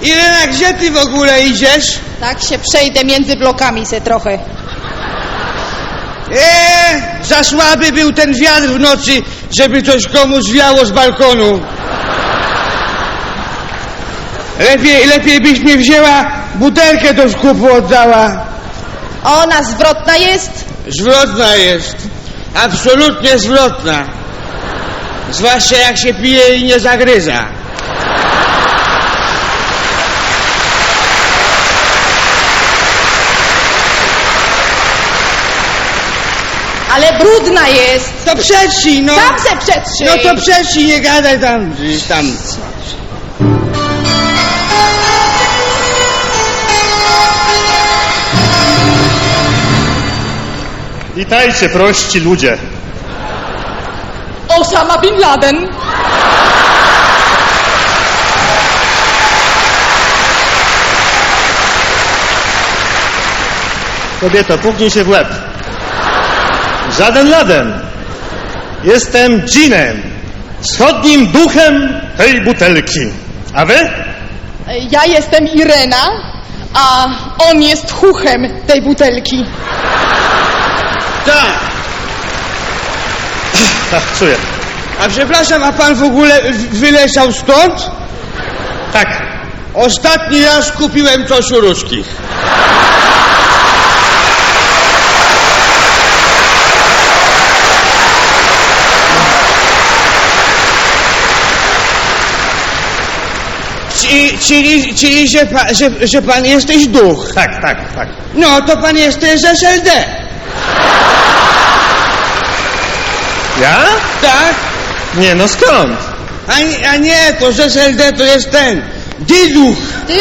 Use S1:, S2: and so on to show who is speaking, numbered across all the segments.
S1: Irena, gdzie ty w ogóle idziesz?
S2: Tak się przejdę między blokami se trochę.
S1: Za słaby był ten wiatr w nocy, żeby coś komuś wiało z balkonu. Lepiej byś mi wzięła butelkę do skupu oddała.
S2: Ona zwrotna jest?
S1: Zwrotna jest. Absolutnie zwrotna. Zwłaszcza jak się pije i nie zagryza.
S2: Ale brudna jest.
S1: To przetrzyj, no.
S2: Sam se przetrzyj.
S1: No to przetrzyj, nie gadaj tam.
S3: Witajcie, prości ludzie.
S2: Osama Bin Laden.
S3: Kobieto, puknij się w łeb. Żaden Laden. Jestem dżinem, wschodnim duchem tej butelki. A wy?
S2: Ja jestem Irena, a on jest chuchem tej butelki.
S1: Tak.
S3: Tak, czuję.
S1: A przepraszam, a pan w ogóle wyleciał stąd?
S3: Tak.
S1: Ostatni raz kupiłem coś u ruskich. Czyli że pan jesteś duch.
S3: Tak.
S1: No, to pan jesteś z SLD.
S3: Ja?
S1: Tak?
S3: Nie, no skąd?
S1: A nie, to z SLD to jest ten. Dyduch.
S2: Ty.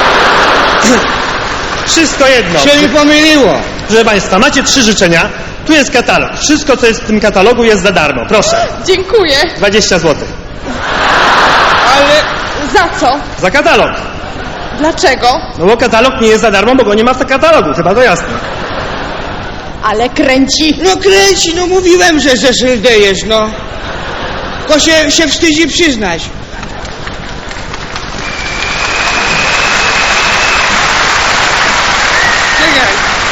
S3: Wszystko jedno.
S1: Się mi pomyliło.
S3: Proszę Państwa, macie 3 życzenia. Tu jest katalog. Wszystko, co jest w tym katalogu, jest za darmo. Proszę.
S2: Dziękuję.
S3: 20 zł.
S1: Ale...
S2: Za co?
S3: Za katalog.
S2: Dlaczego?
S3: No bo katalog nie jest za darmo, bo go nie ma w katalogu. Chyba to jasne.
S2: Ale kręci.
S1: No kręci, no mówiłem, że z SLD jest, no. Tylko się wstydzi przyznać. Czekaj.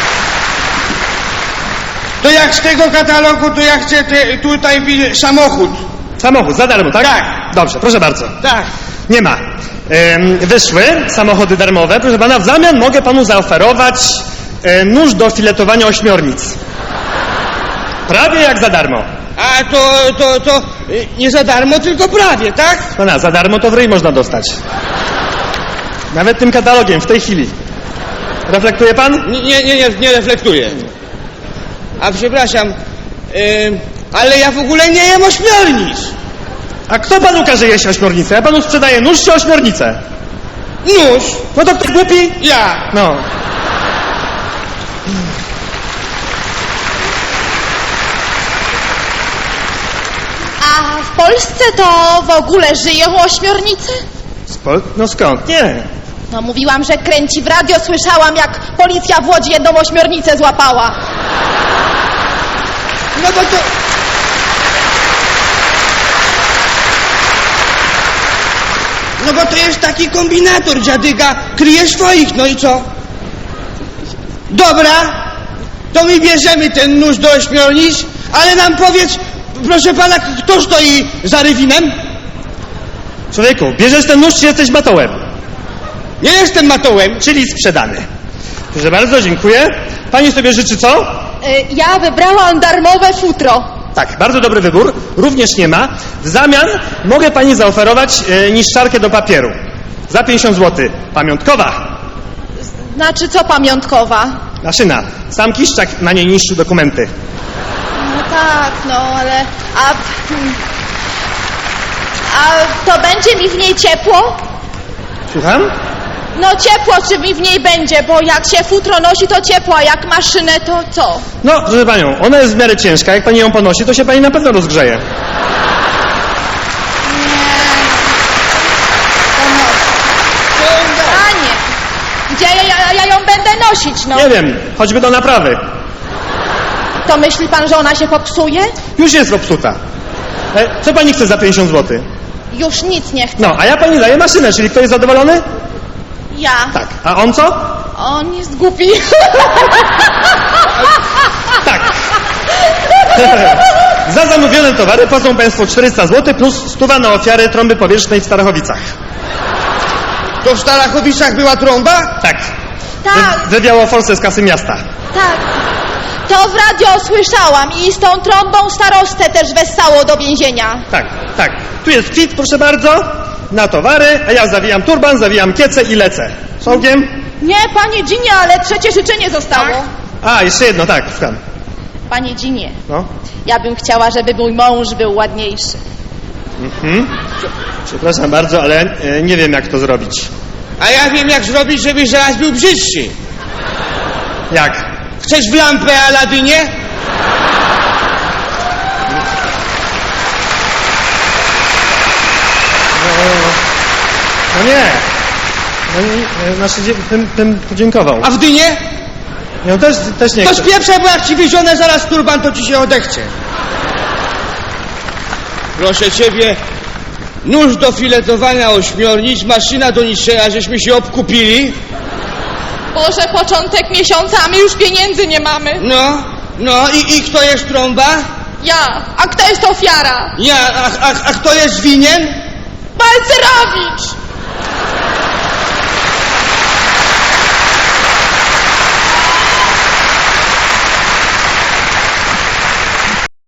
S1: To jak z tego katalogu, to ja chcę tutaj samochód.
S3: Samochód, za darmo, tak?
S1: Tak.
S3: Dobrze, proszę bardzo.
S1: Tak.
S3: Nie ma. Wyszły samochody darmowe. Proszę pana, w zamian mogę panu zaoferować nóż do filetowania ośmiornic. Prawie jak za darmo.
S1: A to nie za darmo, tylko prawie, tak?
S3: Pana, za darmo to w ryj można dostać. Nawet tym katalogiem, w tej chwili. Reflektuje pan?
S1: Nie reflektuję. A przepraszam, ale ja w ogóle nie jem ośmiornic.
S3: A kto panu każe jeść ośmiornicę? Ja panu sprzedaję nóż czy ośmiornicę?
S1: Nóż.
S3: No to kto głupi?
S1: Ja.
S3: No.
S2: A w Polsce to w ogóle żyją ośmiornice?
S3: No skąd? Nie.
S2: No mówiłam, że kręci. W radio słyszałam, jak policja w Łodzi jedną ośmiornicę złapała.
S1: No bo to... No bo to jest taki kombinator, dziadyga. Kryje swoich, no i co? Dobra, to my bierzemy ten nóż do ośmiornic, ale nam powiedz, proszę pana, kto stoi za Rywinem?
S3: Człowieku, bierzesz ten nóż, czy jesteś matołem?
S1: Nie jestem matołem.
S3: Czyli sprzedany. Proszę bardzo, dziękuję. Pani sobie życzy co?
S2: Ja wybrałam darmowe futro.
S3: Tak, bardzo dobry wybór. Również nie ma. W zamian mogę pani zaoferować niszczarkę do papieru. Za 50 zł. Pamiątkowa.
S2: Znaczy co pamiątkowa?
S3: Maszyna. Sam Kiszczak na niej niszczył dokumenty.
S2: No tak, no ale... A to będzie mi w niej ciepło?
S3: Słucham?
S2: No ciepło czy mi w niej będzie, bo jak się futro nosi to ciepło, a jak maszynę to co?
S3: No, proszę panią, ona jest w miarę ciężka. Jak pani ją ponosi, to się pani na pewno rozgrzeje.
S2: Panie, gdzie ja ją będę nosić, no?
S3: Nie wiem, choćby do naprawy.
S2: To myśli pan, że ona się popsuje?
S3: Już jest popsuta. Co pani chce za 50 zł?
S2: Już nic nie chcę.
S3: No, a ja pani daję maszynę, czyli kto jest zadowolony?
S2: Ja.
S3: Tak. A on co?
S2: On jest głupi.
S3: Tak. Za zamówione towary płacą państwo 400 zł plus 100 na ofiary trąby powietrznej w Starachowicach.
S1: To w Starachowicach była trąba?
S3: Tak.
S2: Tak,
S3: Wywiało forsę z kasy miasta.
S2: tak. To w radio słyszałam i z tą trąbą starostę też wessało do więzienia.
S3: Tak, tak. Tu jest kwit, proszę bardzo, na towary, a ja zawijam turban, zawijam kiecę i lecę. Z ogniem?
S2: Nie, panie Dzinie, ale trzecie życzenie zostało.
S3: A, jeszcze jedno, tak, słucham.
S2: Panie Dzinie,
S3: No.
S2: ja bym chciała, żeby mój mąż był ładniejszy.
S3: Przepraszam bardzo, ale nie wiem, jak to zrobić.
S1: A ja wiem, jak zrobić, żeby zaraz był brzydszy.
S3: Jak?
S1: Chcesz w lampę, Aladynie?
S3: No nie. No nie, znaczy, bym podziękował.
S1: A w dynie?
S3: No też nie
S1: To
S3: chcę.
S1: spieprzaj, bo jak ci wyzionę zaraz turban, to ci się odechce. Proszę ciebie, nóż do filetowania ośmiornic, maszyna do niczego, żeśmy się obkupili.
S2: Boże, początek miesiąca, a my już pieniędzy nie mamy.
S1: No i kto jest trąba?
S2: Ja. A kto jest ofiara?
S1: Ja, a kto jest winien?
S2: Balcerowicz!